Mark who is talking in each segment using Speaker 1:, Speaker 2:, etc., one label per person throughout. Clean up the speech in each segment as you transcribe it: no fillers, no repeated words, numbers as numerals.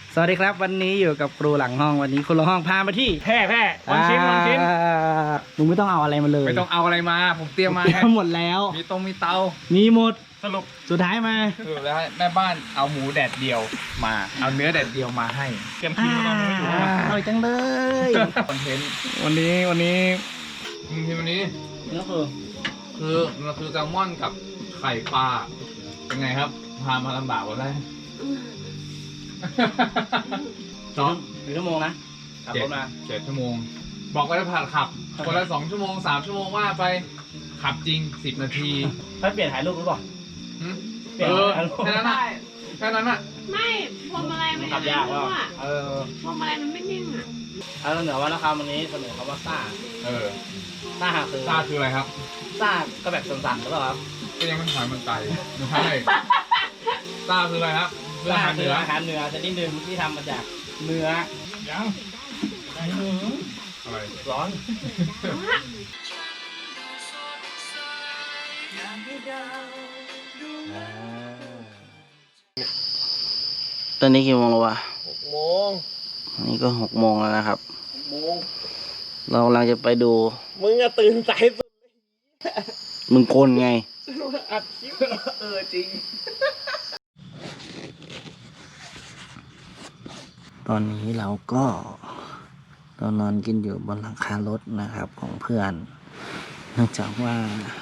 Speaker 1: สวัสดีครับวันนี้อยู่กับครูหลังห้องวันนี้ครูหลังห้องพามาที่
Speaker 2: แพร่วันชิ้น
Speaker 1: มึงไม่ต้องเอาอะไรมาเลย
Speaker 2: ไม่ต้องเอาอะไรมาผมเตรียมมา
Speaker 1: หมดแล้ว
Speaker 2: มีเตา
Speaker 1: มีหมด
Speaker 2: สรุป
Speaker 1: สุดท้ายมา
Speaker 2: แล้วแม่บ้านเอาหมูแดดเดียวมาเอาเนื้อแดดเดียวมาให้เตรียมคิวตอนนี้อยู่
Speaker 1: อร่อยจังเลย
Speaker 2: คอนเทนต์
Speaker 1: วันนี้
Speaker 2: นี่คือแซลมอนกับไข่ปลาเป็นไงครับพามาลำบากวันแรก
Speaker 1: 1 ชั่วโมงนะขับรถมา
Speaker 2: 7 ชั่วโมงบอกว่าจะผ่านขับคนละ2 ชั่วโมง3 ชั่วโมงว่าไปขับจริง10 นาที
Speaker 1: ถ้าเปลี่ยนถ่ายรูปหรือเปล่า
Speaker 2: แค่นั้นอ่ะ
Speaker 3: ไม่พวงมาลัยมัน
Speaker 1: ขับยากว่า
Speaker 3: พวงมาลัยมันไม่นิ่งอ่ะ
Speaker 1: เอาเหนือว่านะครับวันนี้เสนอคำว่าซ่าซ่า
Speaker 2: คืออะไรครับ
Speaker 1: ซ่าก็แบบสั่นๆหรือเปล่าครับ
Speaker 2: ก็ยังไม่ถอยมันไตไม่ใช่ซ่าคืออะไรครับ
Speaker 1: อาหารเหนือชนิดหนึ่งที่ทำมาจากเนื้อ
Speaker 2: ยังอะไร
Speaker 1: ร้อนตอนนี้กี่โมงแล้ววะ
Speaker 2: 6 โมง
Speaker 1: นี่ก็6 โมงแล้วนะครับ
Speaker 2: 6 โมง
Speaker 1: เรากำลังจะไปดู
Speaker 2: มึงอะตื่นสายสุด
Speaker 1: มึงโกนไง
Speaker 2: อัดคลิปจริง
Speaker 1: ตอนนี้เราก็นอนกินอยู่บนหลังคารถนะครับของเพื่อนเนื่องจากว่า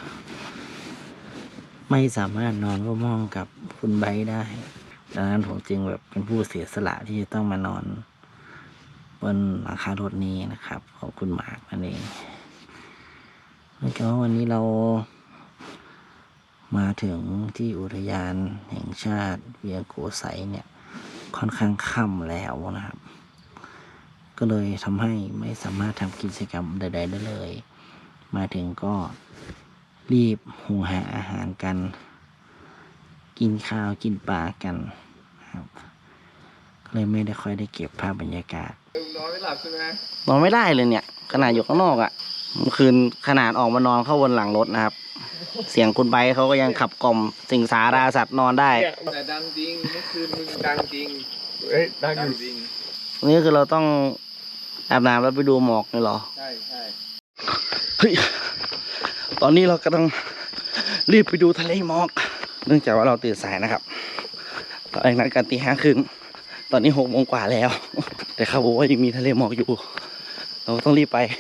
Speaker 1: ไม่สามารถนอนร่วมห้องกับคุณไบร์ทได้ดังนั้นผมจึงแบบเป็นผู้เสียสละที่จะต้องมานอนบนหลังคารถนี้นะครับของคุณหมากนั่นเองแล้วก็วันนี้เรามาถึงที่อุทยานแห่งชาติเวียงโกไสเนี่ยค่อนข้างค่ำแล้วนะครับก็เลยทำให้ไม่สามารถทำกิจกรรมใดๆได้เลยมาถึงก็รีบหุงหาอาหารกันกินข้าวกินปลากันครับก็เลยไม่ได้ค่อยได้เก็บภาพบรรยากาศ
Speaker 2: นอนไม่หลับใช่ไหม
Speaker 1: นอนไม่ได้เลยเนี่ยขนาดอยู่ข้างนอกอ่ะเมื่อคืนขนาดออกมานอนเข้าบนหลังรถนะครับเสียงคุณไบร์ทเขาก็ยังขับกล่อมสิงสาราสัตว์นอนได้
Speaker 2: แต่ดังจริงเมื่อคืนมึงดังจริงเฮ้ยดังจริง
Speaker 1: นี่คือเราต้องอาบน้ำแล้วไปดูหมอกนี่หรอ
Speaker 2: ใช่
Speaker 1: เฮ้ยตอนนี้เรากำลังรีบไปดูทะเลหมอกเนื่องจากว่าเราตื่นสายนะครับตอนแรกนัดกันตี 5:30ตอนนี้6 โมงกว่าแล้วแต่เขาบอกว่ายังมีทะเลหมอกอยู่เราต้องรีบไป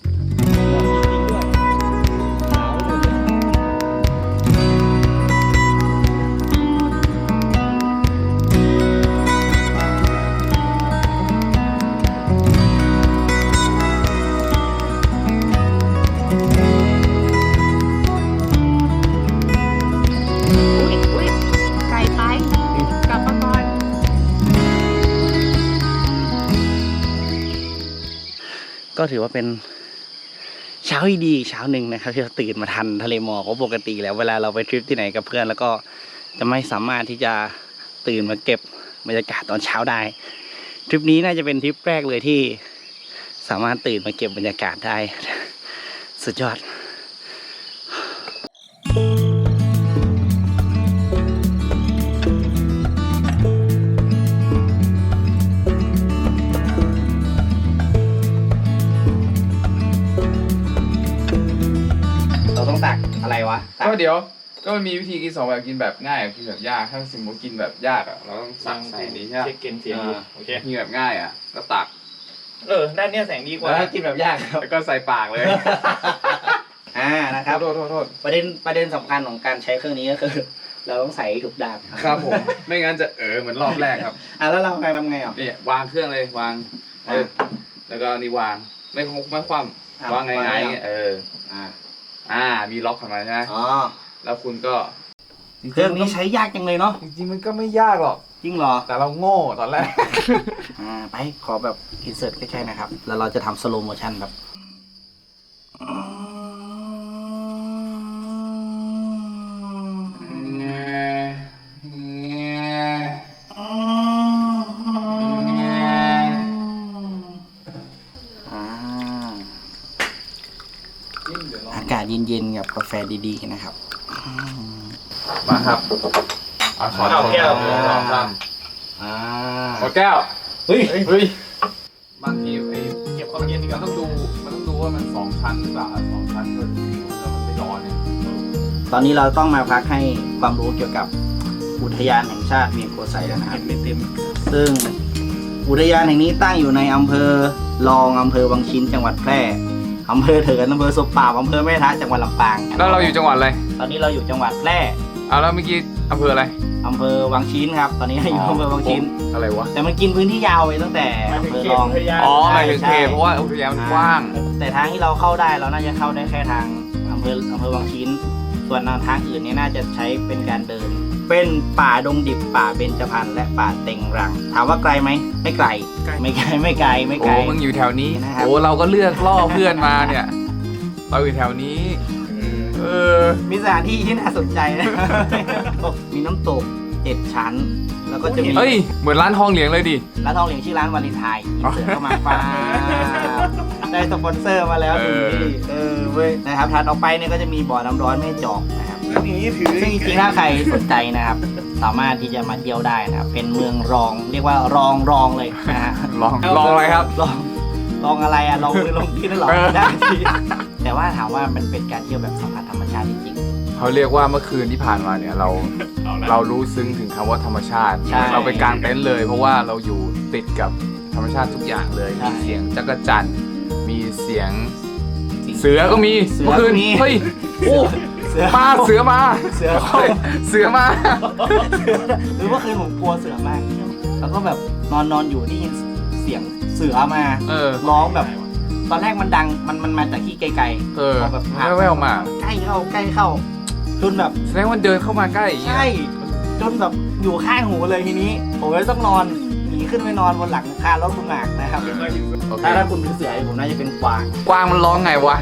Speaker 1: ก็ถือว่าเป็นเช้าที่ดีเช้าหนึ่งนะครับที่เราตื่นมาทันทะเลหมอกเพราะปกติแล้วเวลาเราไปทริปที่ไหนกับเพื่อนแล้วก็จะไม่สามารถที่จะตื่นมาเก็บบรรยากาศตอนเช้าได้ทริปนี้น่าจะเป็นทริปแรกเลยที่สามารถตื่นมาเก็บบรรยากาศได้สุดยอดต้องตักอะไรวะ
Speaker 2: ก็เดี๋ยวก็มันมีวิธีกิน2 แบบกินแบบง่ายกับกินแบบยากถ้าสมมติกินแบบยากอ่ะเราต้องตักใส่นี้ใช่ไหม
Speaker 4: เช็คเกณฑ์เสียง
Speaker 2: โอเคกินแบบง่ายอ่ะก็ตัก
Speaker 4: ด้านเนี้ยแสงดีกว่า
Speaker 1: ถ้ากินแบบยาก
Speaker 2: แล้วก็ใส่ปากเลย
Speaker 1: นะครับ
Speaker 2: โทษ
Speaker 1: ประเด็นสำคัญของการใช้เครื่องนี้ก็คือเราต้องใส่ถูกด้าน
Speaker 2: ครับผมไม่งั้นจะเหมือนรอบแรกครับ
Speaker 1: แล้วเราทำไงอ่ะ
Speaker 2: นี่วางเครื่องเลยวางแล้วก็นี่วางไม่คว่ำวางไงมีล็อกของมันใช่ไหมแล้วคุณก็
Speaker 1: เครื่องนี้ใช้ยากจังเลยเนาะ
Speaker 2: จริงๆมันก็ไม่ยากหรอก
Speaker 1: จริงเหรอ
Speaker 2: แต่เราโง่ตอนแรก
Speaker 1: ไปขอแบบอินเสิร์ตใกล้ๆนะครับแล้วเราจะทำสโลว์โมชั่นแบบอากาศเย็นๆกับกาแฟดีๆนะครับ
Speaker 2: มาครับขอแก้วหมดแก้ว
Speaker 4: เฮ้ย
Speaker 2: เฮ้ยบางทีไอ้เก็บความเย็นอีกมันต้องดูว่ามัน2 ชั้นหรือเปล่า2 ชั้นก็แล้วมันไม่ร้อนเนี่ย
Speaker 1: ตอนนี้เราต้องมาพักให้ความรู้เกี่ยวกับอุทยานแห่งชาติเวียงโกไซแล้วนะครับไม่เต็มซึ่งอุทยานแห่งนี้ตั้งอยู่ในอำเภอรองอำเภอวังชิ้นจังหวัดแพร่อำเภอเถินอำเภอศพปราบอำเภอแม่ทะจังหวัดลำปาง
Speaker 2: แล้วเราอยู่จังหวัดอะไร
Speaker 1: ตอนนี้เราอยู่จังหวัดแพร่
Speaker 2: แล้วเมื่อกี้อำเภออะไร
Speaker 1: อำเภอวังชิ้นครับ ตอนนี้เราอยู่อำเภอวังชิ้น
Speaker 2: อะไรวะ
Speaker 1: แต่มันกินพื้นที่ยาวไปตั้งแต่อำเภอรอง
Speaker 2: อ๋อหมายถึงเขตเพราะว่าอุทยานมันกว้าง
Speaker 1: แต่ทางที่เราเข้าได้เราน่าจะเข้าได้แค่ทางอำเภอวังชิ้น ส่วนทางอื่นเนี่ยน่าจะใช้เป็นการเดิน เป็นป่าดงดิบป่าเบญจพรรณและป่าเต็งรัง ถามว่าไกลไหมไม่ไกลไม่ไกลไม่ไกลไม่ไกล
Speaker 2: โอ้มึงอยู่แถวนี้
Speaker 1: นะครับ
Speaker 2: โอ้เราก็เลือกล่อเพื่อนมาเนี่ย เราอยู่แถวนี้
Speaker 1: มีสถานที่ที่น่าสนใจนะ มีน้ำตก 7 ชั้น แล้วก็จะมี
Speaker 2: เฮ้ยเหมือนร้านทองเหลียงเลยดิ
Speaker 1: ร้านทองเหลียงชื่อร้านวาเลนไทน์อินเสิร์ตเข้ามาฟ้าได้สปอนเซอร์มาแล้วหนึ่งที่เว้ยนะครับถัดออกไปเนี่ยก็จะมีบ่อน้ำร้อนแม่จอกนะครับซึ่งจริงๆถ้าใครสนใจนะครับ สามารถที่จะมาเที่ยวได้นะครับเป็นเมืองรองเรียกว่ารองเลยนะฮะ
Speaker 2: ลองอะไรครับ
Speaker 1: ลองอะไรอะลองมือลงที่นั่นหรอ
Speaker 2: เออ
Speaker 1: ได้ทีแต่ว่าถามว่ามันเป็นการเที่ยวแบบสัมผัสธรรมชาติจริง
Speaker 2: เขาเรียกว่าเมื่อคืนที่ผ่านมาเนี่ยเรารู้ซึ้งถึงคำว่าธรรมชาติ
Speaker 1: ใช่
Speaker 2: เราไปกางเต็นท์เลย เพราะว่าเราอยู่ติดกับธรรมชาติทุกอย่างเลย
Speaker 1: ใช่
Speaker 2: มีเสียงจักรจั่นมีเสียงเสือก็มี
Speaker 1: เสือ
Speaker 2: เมื่อคืน
Speaker 1: ก็มี
Speaker 2: เฮ้ยโอ้
Speaker 1: เสือ
Speaker 2: มาเสือมา
Speaker 1: เสือ
Speaker 2: เฮ้ยเสือมา
Speaker 1: หรือว่าคืนผมกลัวเสือมาก แล้วก็แบบนอนอยู่ได้ยินเสียงเสือมา
Speaker 2: เออ
Speaker 1: ร้องแบบ ตอนแรกมันดังมันมาจากที่ไกล
Speaker 2: เออ
Speaker 1: พอแบบผ่าน
Speaker 2: แว่วๆมา
Speaker 1: ใกล้เข้าจนแบบ
Speaker 2: แสดงว่าเดินเข้ามาใกล้อย่างเงี้ย
Speaker 1: ใช่จนแบบอยู่ข้างหูเลยทีนี้ ผมเลยต้องนอนหนีขึ้นไปนอนบนหลังคารถคุณหมากนะครับ
Speaker 2: โอเค
Speaker 1: ถ้าคุณเป็นเสือผมน่าจะเป็นกวาง
Speaker 2: กวางมันร้องไงวะ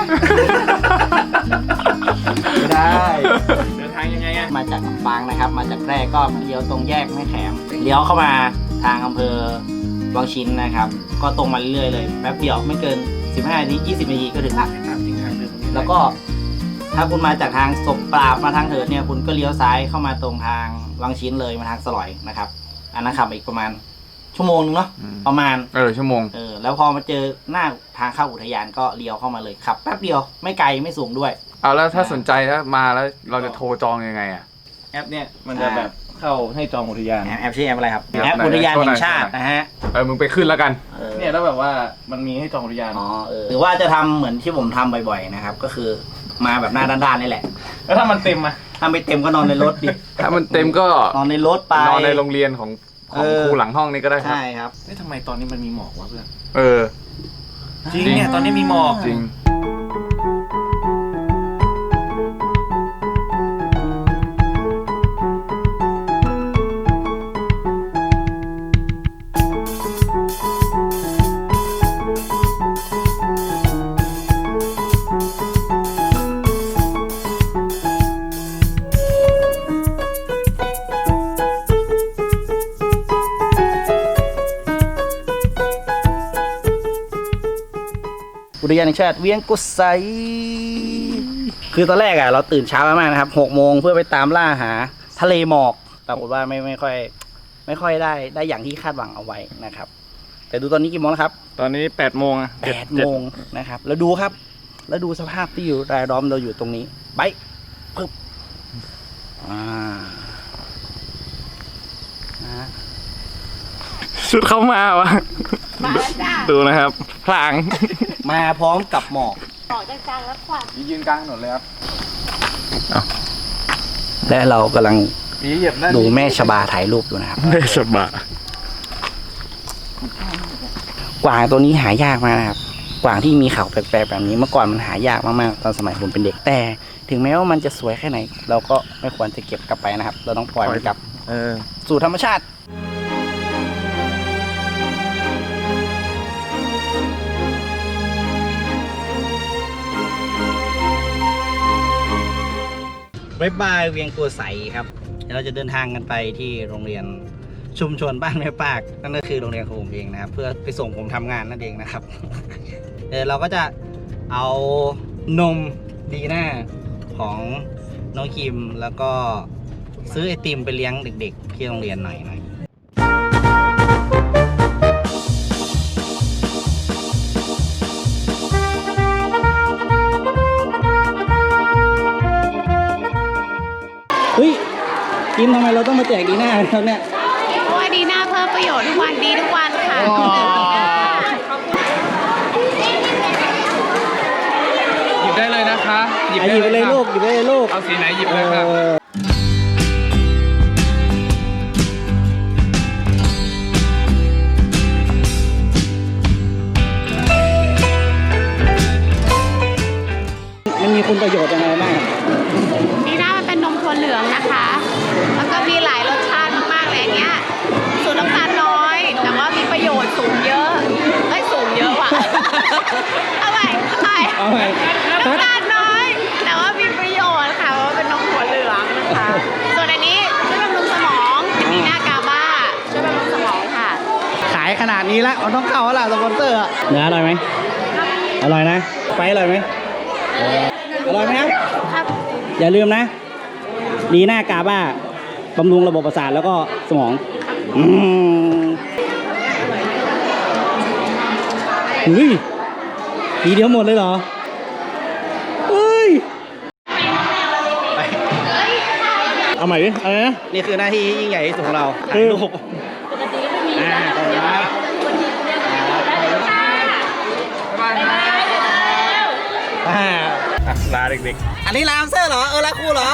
Speaker 1: ไม่ได้
Speaker 4: เดินทางยังไงอ่ะ
Speaker 1: มาจากลำปางนะครับ มาจากแพร่ก็เลี้ยวตรงแยกแม่แขมเลี้ยวเข้ามาทางอำเภอวังชิ้นนะครับ ก็ตรงมาเรื่อยๆเลยแป๊บเดียวไม่เกิน15 นาที 20 นาทีก็ถึงละแล้วก็ถ้าคุณมาจากทางศพปราบมาทางเถิดเนี่ยคุณก็เลี้ยวซ้ายเข้ามาตรงทางวังชิ้นเลยมาทางสลอยนะครับ อันนั้นขับอีกประมาณชั่วโมงนึงเนาะ
Speaker 2: อืม
Speaker 1: ประมาณ
Speaker 2: ชั่วโมง
Speaker 1: แล้วพอมาเจอหน้าทางเข้าอุทยานก็เลี้ยวเข้ามาเลยขับแป๊บเดียวไม่ไกลไม่สูงด้วย
Speaker 2: เอาแล้วถ้าสนใจถ้ามาแล้วเราจะโทรจองยังไงอ่ะ
Speaker 4: แอปเนี่ยมันจะแบบเข้าให้จองอุทยาน
Speaker 1: แอปชื่อแอปอะไรครับ
Speaker 2: แอป
Speaker 1: แอป
Speaker 2: ไหน
Speaker 1: อุทยาน
Speaker 2: โทรหน่
Speaker 1: แห่
Speaker 2: อย
Speaker 1: งชาตินะฮะ
Speaker 2: มึงไปขึ้นแล้วกัน
Speaker 4: เนี่ยแล้วแบบว่ามันมีให้จองอุทยาน
Speaker 1: หรือว่าจะทำเหมือนที่ผมทำบ่อยๆนะครับ ก็คือมาแบบหน้าด้านๆนี่แหละ
Speaker 4: แล้วถ้ามันเต็มอ่ะ
Speaker 1: ถ้าไม่เต็มก็นอนในรถดิ
Speaker 2: ถ้ามันเต็มก็
Speaker 1: นอนในรถไป
Speaker 2: นอนในโรงเรียนของครูหลังห้องนี่ก็ได้ครับ
Speaker 1: ใช่ครับ
Speaker 4: เฮ้ยทำไมตอนนี้มันมีหมอกวะเพื่อน
Speaker 2: เออ
Speaker 4: จริงเนี่ยตอนนี้มีหมอก
Speaker 2: จริง
Speaker 1: อุทยานแห่งชาติเวียงกุไซคือตอนแรกเราตื่นเช้ามากนะครับ6 โมงเพื่อไปตามล่าหาทะเลหมอกปรากฏว่าไม่ค่อยได้อย่างที่คาดหวังเอาไว้นะครับ แต่ดูตอนนี้กี่โมงแล้วครับ
Speaker 4: ตอนนี้8 โมงอ่ะ
Speaker 1: 8 โมงนะครับแล้วดูครับ แล้วดูสภาพที่อยู่รายล้อมเราอยู่ตรงนี้ไปปึ๊บนะ
Speaker 4: ชุดเข้ามาวะ
Speaker 3: มาแล้วจ้า
Speaker 4: ดูนะครับพลาง
Speaker 1: มาพร้อมกับหมอก
Speaker 3: ออกจากจางแล้วควัน
Speaker 2: ยืนกลางถนนเลยครับ
Speaker 1: และเรากำลัง
Speaker 2: มีเหยียบนั่น
Speaker 1: ดูแม่ชบาถ่ายรูปอยู่นะครับ
Speaker 4: ได้สบาย
Speaker 1: กวางตัวนี้หายากมากนะครับ กวางที่มีเขาแปลกๆแบบนี้เมื่อก่อนมันหายากมากๆตอนสมัยผมเป็นเด็กแต่ถึงแม้ว่ามันจะสวยแค่ไหน เราก็ไม่ควรจะเก็บกลับไปนะครับ เราต้องปล่อยมันกลับสู่ธรรมชาติบ๊ายบายเวียงกัวใสครับเดี๋ยวเราจะเดินทางกันไปที่โรงเรียนชุมชนบ้านแม่ปากนั่นก็คือโรงเรียนของผมเองนะครับ เพื่อไปส่งผมทำงานนั่นเองนะครับ เราก็จะเอานมดีน่าของน้องคิมแล้วก็ซื้อไอติมไปเลี้ยงเด็กๆที่โรงเรียนหน่อยจิ้มทำไมเราต้องมาแจกดีหน้าครับเนี่ย
Speaker 3: เพราะว่าดีน่าเพิ่มประโยชน์ทุกวันดีทุกวันค่ะ
Speaker 2: หยิบได้เลยนะคะ
Speaker 1: หยิบไปเลยลูกหยิบไปเลยลูก
Speaker 2: เอาสีไหนหยิบเลยค่ะ
Speaker 1: มันมีคุณประโยชน์ยังไงบ้าง
Speaker 3: ดีน่ามันเป็นนมถั่วเหลืองนะคะ แล้วก็มีหลายรสชาติมากๆเลยอย่างเงี้ยสูตรน้ำตาลน้อย แต่ว่ามีประโยชน์สูงเยอะเอ้ยสูงเยอะว่ะ เอาใหม่น้ำตาลน้อย แต่ว่ามีประโยชน์ค่ะเพราะว่าเป็นนมถั่วเหลืองนะคะ ส่วนอันนี้ช่วยบำรุงสมองดีน่ากาบ้าช่วยบำรุงสมองค่ะ
Speaker 1: ขายขนาดนี้แล้วมันต้องเข้าแล้วล่ะสปอนเซอร์อะเนื้ออร่อยไหมอร่อยนะไปอร่อยไหมอร่อยไหมครับ
Speaker 3: ครับ
Speaker 1: อย่าลืมนะ ดีหน้ากาบ้าบำรุงระบบประสาทแล้วก็สมองเฮ้ยทีเดียวหมดเลยเหรอเฮ้ยเอาใหม่ดิอะไรนะนี่คือหน้าที่ยิ่งใหญ่ที่สุดของเราถ่ายรูปขอบคุณครับ
Speaker 4: ลาเด็ก
Speaker 1: อันนี้ลามเซอร์เหรอลาคูเหรอ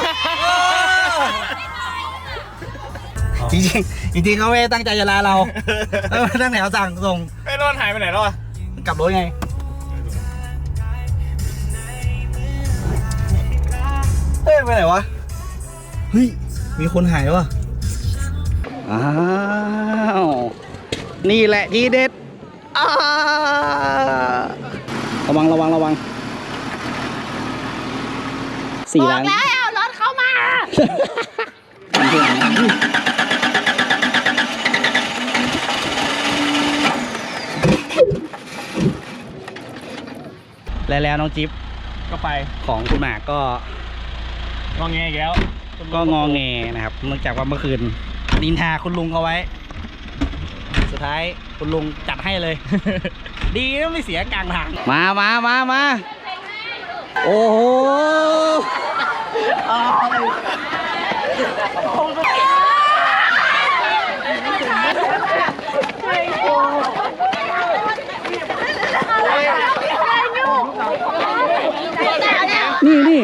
Speaker 1: จริงเขาไม่ตั้งใจจะลาเราตั้งแถวสั่งส่ง
Speaker 4: ๆไอ้รอนหายไปไหนแล้วอ่ะ
Speaker 1: กลับรถไงเฮ้ยไปไหนวะเฮ้ยมีคนหายวะอ้าวนี่แหละทีเด็ดระวัง4
Speaker 3: บอ
Speaker 1: ล้าก น
Speaker 3: แล้วรถเข้ามา
Speaker 1: แล้วน้องจิ๊บ
Speaker 4: ก็ไป
Speaker 1: ของคุณหมากก็
Speaker 4: งอแงอีกแล้ว
Speaker 1: ก็งอแงนะครับเนื่องจากว่าเมื่อคืนนินทาคุณลุงเขาไว้ สุดท้ายคุณลุงจัดให้เลย ดีนะไม่เสียกลางทางมาโอ้โหนี่เรี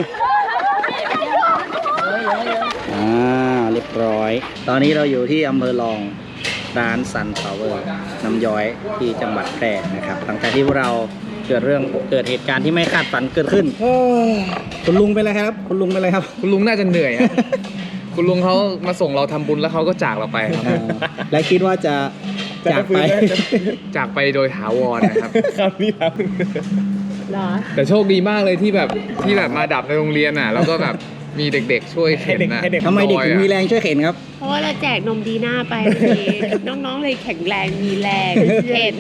Speaker 1: ยบร้อย ตอนนี้เราอยู่ที่อำเภอรองร้านซันพาวเวอร์น้ำย้อยที่จังหวัดแพร่นะครับหลังจากที่พวกเราเกิดเหตุการณ์ที่ไม่คาดฝันเกิดขึ้นคุณลุงเป็นอะไรครับ คุณลุงเป็นอะไรครับ
Speaker 2: คุณลุงน่าจะเหนื่อยครับ คุณลุงเขามาส่งเราทำบุญแล้วเขาก็จากเราไปครับ
Speaker 1: และคิดว่าจะจากไป
Speaker 2: จากไปโดยถาวรนะครับ
Speaker 4: ครับนี่ครับ
Speaker 3: เหรอ
Speaker 2: แต่โชคดีมากเลยที่แบบมาดับในโรงเรียนอ่ะแล้วก็แบบมีเด็กๆช่วยเข็นนะ
Speaker 1: ทำไมเด็กถึงมีแรงช่วยเข็นครับ
Speaker 3: เพราะว่าเราแจกนมดีน่าไปทีน้องๆเลยแข็งแรงมีแรงเห็น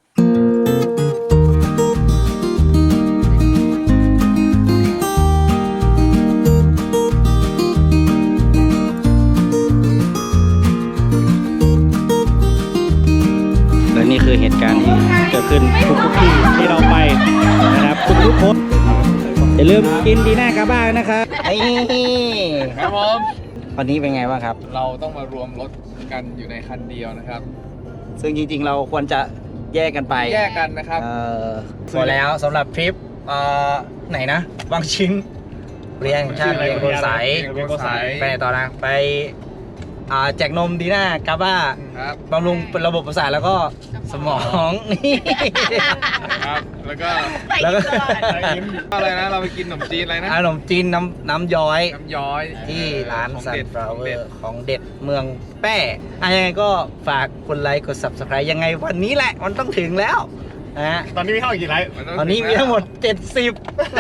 Speaker 1: และนี่คือเหตุการณ์ที่เกิดขึ้นทุกที่ที่เราไปนะครับทุกคนอย่าลืมกินดีน่ากาบ้านะครับนี่
Speaker 2: ครับผม
Speaker 1: วันนี้เป็นไงบ้างครับ
Speaker 2: เราต้องมารวมรถกันอยู่ในคันเดียวนะครับ
Speaker 1: ซึ่งจริงๆเราควรจะแยกกันไป
Speaker 2: แยกกันนะครับ
Speaker 1: พอแล้วสำหรับทริปไหนนะบางชิ้นเรียงชาติเรียงโกสาย
Speaker 2: เรียงโกสาย
Speaker 1: ไปไหนต่อนะไปแจกนมดีน่ากาบ้า
Speaker 2: ครับ
Speaker 1: บำรุงระบบประสาทแล้วก็สมองนี่
Speaker 2: ครับ แล้วก็
Speaker 1: แล้วก็
Speaker 2: อะไรนะ เราไปกินขนมจีนอะไรนะ
Speaker 1: ขนมจีนน้ำย้อย
Speaker 2: น้ำย้อย
Speaker 1: ที่ร้าน
Speaker 2: ของ
Speaker 1: ซัน
Speaker 2: เด็ด
Speaker 1: ฟลา
Speaker 2: ของ
Speaker 1: เวอ
Speaker 2: เด็ด
Speaker 1: ร์ของเด็ดเมืองแป้ยังไงก็ฝากกดไลค์กด subscribe ยังไงวันนี้แหละมันต้องถึงแล้วนะฮะ
Speaker 4: ตอนนี้มีเท่าอีกกี่ไลฟ์
Speaker 1: ตอนนี้มีทั้งหมด 70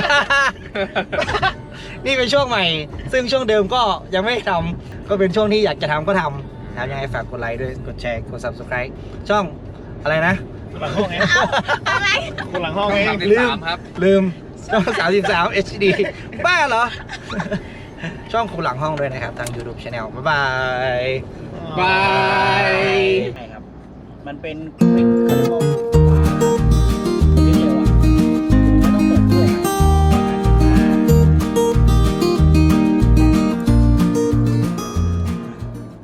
Speaker 1: นี่เป็นช่วงใหม่ ซึ่งช่วงเดิมก็ยังไม่ทำก็เป็นช่วงที่อยากจะทำก็ทำนะครับยังไงฝากกดไลค์ด้วยกดแชร์กด subscribe ช่องอะไรนะ
Speaker 4: หลังห้องเอง
Speaker 3: อะไร
Speaker 4: คุณหลังห้อง
Speaker 2: ช่อง
Speaker 4: เอง
Speaker 2: 33ครับ
Speaker 1: ลืมช่อง 33 HD บ้าเหรอ ช่องคุณหลังห้องด้วยนะครับ ทาง YouTube Channel บ๊ายบาย
Speaker 2: บาย
Speaker 1: ใช่ครับ มันเป็นเขาเรียกว่า